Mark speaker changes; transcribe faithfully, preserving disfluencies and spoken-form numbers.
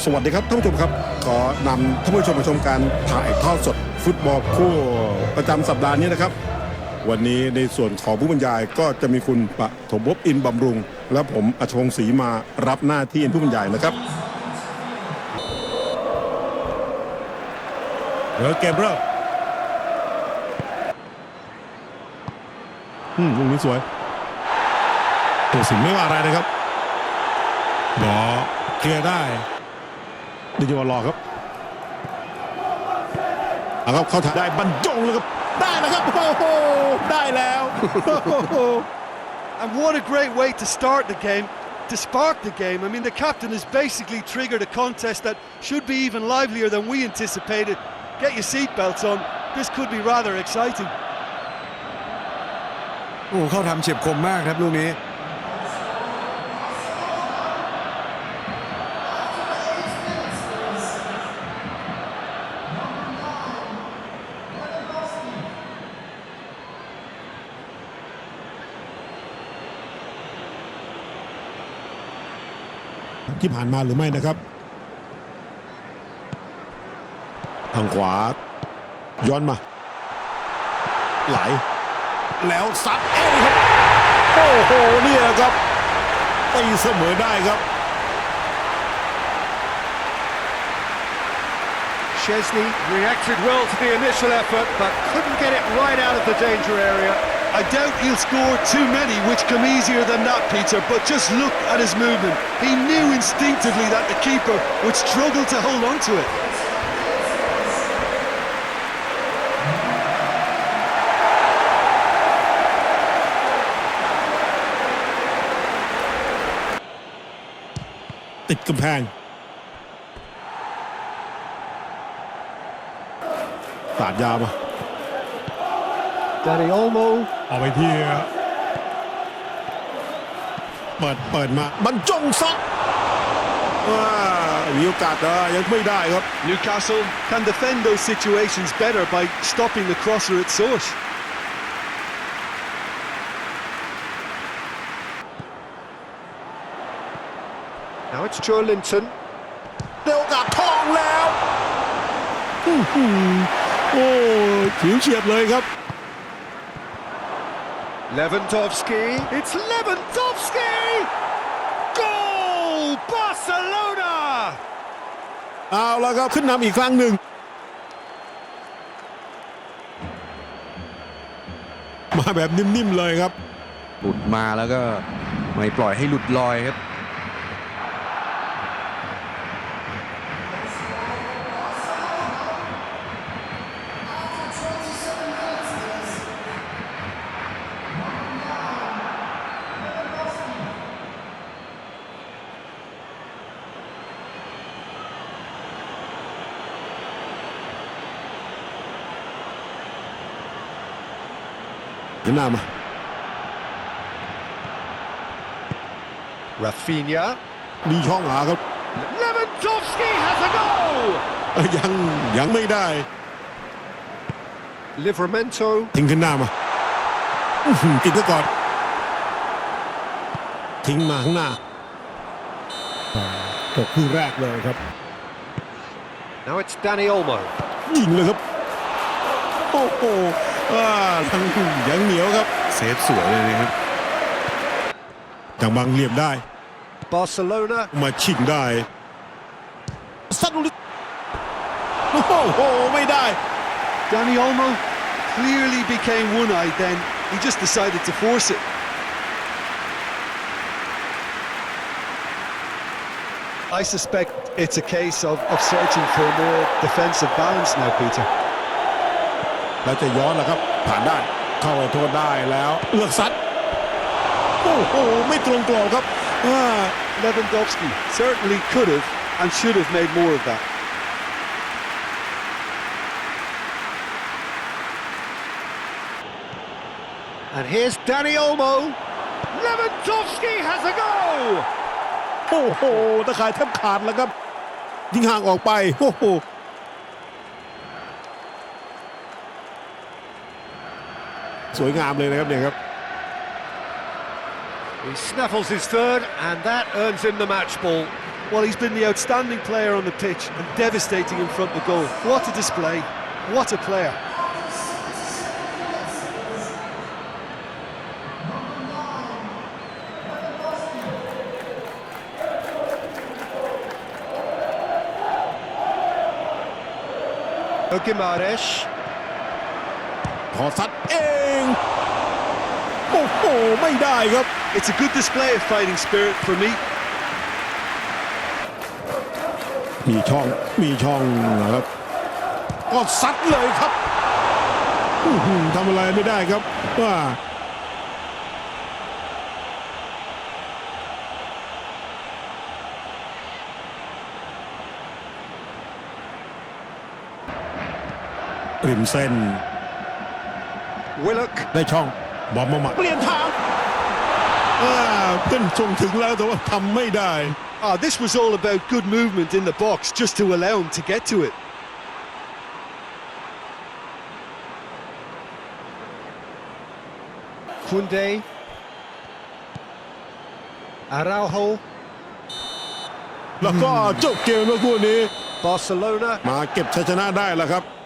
Speaker 1: สวัสดีครับท่านผู้ชมครับขอนำท่านผู้ชมมาชมการถ่ายทอดสดฟุตบอลคู่ประจำสัปดาห์นี้นะครับวันนี้ในส่วนของผู้บรรยายก็จะมีคุณปฐมภพอินทร์บำรุงและผมอัชวงศ์ศรีมารับหน้าที่เป็นผู้บรรยายนะครับเดี๋ยวเกมเริ่มอืมลูกนี้สวยตัวสิงห์ไม่ว่าอะไรนะครับบอลเคลียร์ได้ดิจิวอลรอครับเอาครับเข้าถ่ายได้บรรจงเลยครับได้แล้วครับโอ้โหได้แล้ว
Speaker 2: And what a great way to start the game, to spark the game. I mean, the captain has basically triggered a contest that should be even livelier than we anticipated. Get your seatbelts on. This could be rather exciting.
Speaker 3: โอ้เข้าทำเฉียบคมมากครับลูกนี้
Speaker 1: ที่ผ่านมาหรือไม่นะครับทางขวาย้อนมาไหลแล้วซัดเอ้ครับโอ้โหนี่แหละครับตีเสมอได้ครับ
Speaker 4: Chesney reacted well to the initial effort but couldn't get it right out of the danger area.
Speaker 2: I doubt he'll score too many which come easier than that, Peter, but just look at his movement. He knew instinctively that the keeper would struggle to hold on to it.
Speaker 1: ติดกำแพงตาดยาวมา
Speaker 4: Dani Olmo
Speaker 1: เอาไปที่เปิดเปิดมาบรรจงซัดว้ามีโอกาสนะยังไม่ได้ครับ
Speaker 2: Newcastle can defend those situations better by stopping the crosser at source.
Speaker 4: Now it's Joe Linton.
Speaker 1: ได้โอกาสทองแล้วโอ้ผิวเฉียดเลยครับ
Speaker 4: Lewandowski. It's Lewandowski! Goal! Barcelona!
Speaker 1: เอาแล้วครับขึ้นนำอีกครั้งหนึ่งมาแบบนิ่มๆเลยครับ
Speaker 3: หลุดมาแล้วก็ไม่ปล่อยให้หลุดลอยครับ
Speaker 1: หน้ามา
Speaker 4: Rafinha.
Speaker 1: มีช่องหาครับ
Speaker 4: Lewandowski has a goal!
Speaker 1: ยังยังไม่ได้
Speaker 4: Livramento.
Speaker 1: ทิ้งขึ้นหน้ามาติดไว้ก่อนทิ้งมาข้างหน้าตกคู่แรกเลยครับ
Speaker 4: Now it's Dani Olmo.
Speaker 1: ยิงเลยครับโอ้โหทั้งยังเหนียวครับเซฟสวยเลยนะครับจังบังเหลี่ยมได้
Speaker 4: Barcelona.
Speaker 1: มาชิงได้ซัดลูกโอ้โหไม่ได้
Speaker 2: Dani Olmo clearly became one-eyed then. He just decided to force it. I suspect it's a case of, of searching for more defensive balance now, Peter.
Speaker 1: แล้วจะย้อนแล้วครับผ่านได้เข้าไปโทษได้แล้วเลือกซัดโอ้โหไม่ตรงกรอบครับ
Speaker 2: Lewandowski certainly could have and should have made more of that.
Speaker 4: And here's Dani Olmo. Lewandowski has a goal!
Speaker 1: โอ้โหตะข่ายแทบขาดแล้วครับยิงห่างออกไปโอ้โหสวยงามเลยนะครับเนี่ยครับ
Speaker 4: He snaffles his third, and that earns him the match ball.
Speaker 2: Well, he's been the outstanding player on the pitch and devastating in front of goal. What a display. What a player.
Speaker 4: Guimaraes.
Speaker 1: ขอซัดเอง โอ้โห ไม่ได้ครับ
Speaker 2: It's a good display of fighting spirit for me.
Speaker 1: มีช่อง มีช่องนะครับ ก็ซัดเลยครับอื้อหือทำอะไรไม่ได้ครับว่าริมเส้น
Speaker 4: Willock.
Speaker 1: ได้ช่องบอลมาหมัดเปลี่ยนทางอ่าเพื่อนส่งถึงแล้วแต่ว่าทำไม่ได้
Speaker 2: Ah, this was all about good movement in the box just to allow him to get to it.
Speaker 4: Koundé. Araujo.
Speaker 1: แล้วก็จบเกมเมื่อคู่นี้
Speaker 4: Barcelona.
Speaker 1: มาเก็บชัยชนะได้แล้วครับ